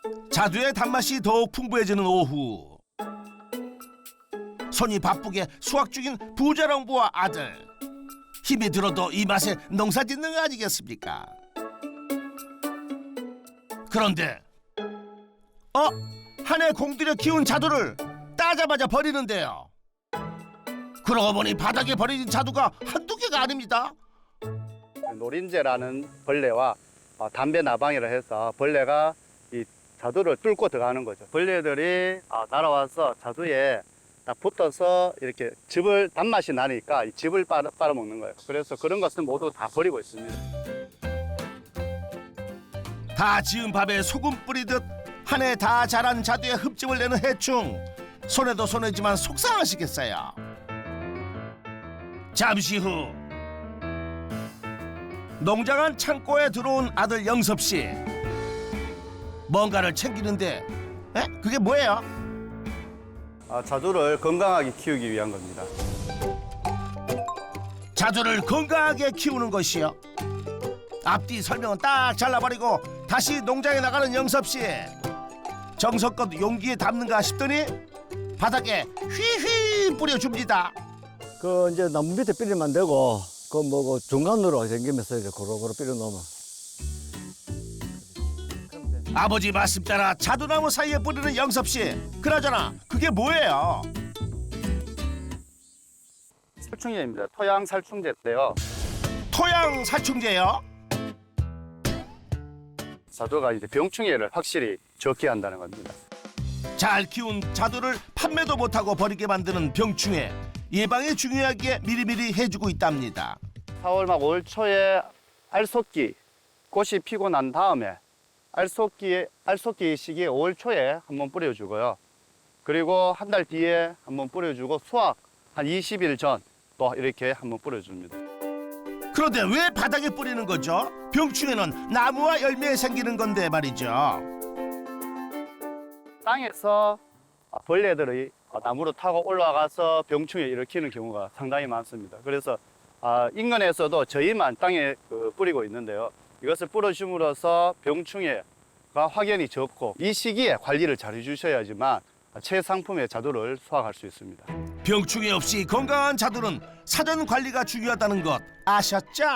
자두의 단맛이 더욱 풍부해지는 오후. 손이 바쁘게 수확 중인 부자농부와 아들. 힘이 들어도 이 맛에 농사 짓는 거 아니겠습니까? 그런데 한 해 공들여 키운 자두를 따자마자 버리는데요. 그러고 보니 바닥에 버려진 자두가 한두 개가 아닙니다. 노린재라는 벌레와 담배 나방이라 해서 벌레가 이 자두를 뚫고 들어가는 거죠. 벌레들이 날아와서 자두에 딱 붙어서 이렇게 즙을 단맛이 나니까 이 즙을 빨아먹는 거예요. 그래서 그런 것은 모두 다 버리고 있습니다. 다 지은 밥에 소금 뿌리듯 한 해 다 자란 자두에 흡즙을 내는 해충. 손해도 손해지만 속상하시겠어요. 잠시 후 농장 창고에 들어온 아들 영섭 씨. 뭔가를 챙기는데 그게 뭐예요? 자두를 건강하게 키우기 위한 겁니다. 자두를 건강하게 키우는 것이요. 앞뒤 설명은 딱 잘라버리고 다시 농장에 나가는 영섭 씨. 정성껏 용기에 담는가 싶더니 바닥에 휘휘 뿌려줍니다. 그 이제 나무 밑에 뿌리면 되고 그 중간으로 생기면서 이제 고루고루 뿌려 놓으면. 아버지 말씀 따라 자두나무 사이에 뿌리는 영섭 씨. 그나저나 그게 뭐예요? 살충제입니다. 토양 살충제인데요. 토양 살충제요? 자두가 이제 병충해를 확실히 적게 한다는 겁니다. 잘 키운 자두를 판매도 못하고 버리게 만드는 병충해. 예방에 중요하게 미리미리 해주고 있답니다. 4월 막 5월 초에 알속기 꽃이 피고 난 다음에 알속기 시기에 5월 초에 한번 뿌려주고요. 그리고 한 달 뒤에 한번 뿌려주고 수확 한 20일 전 또 이렇게 한번 뿌려줍니다. 그런데 왜 바닥에 뿌리는 거죠? 병충해는 나무와 열매에 생기는 건데 말이죠. 땅에서 벌레들이 나무로 타고 올라가서 병충해 일으키는 경우가 상당히 많습니다. 그래서 인근에서도 저희만 땅에 뿌리고 있는데요. 이것을 뿌려줌으로써 병충해가 확연히 적고 이 시기에 관리를 잘 해주셔야지만 최상품의 자두를 수확할 수 있습니다. 병충해 없이 건강한 자두는 사전 관리가 중요하다는 것 아셨죠?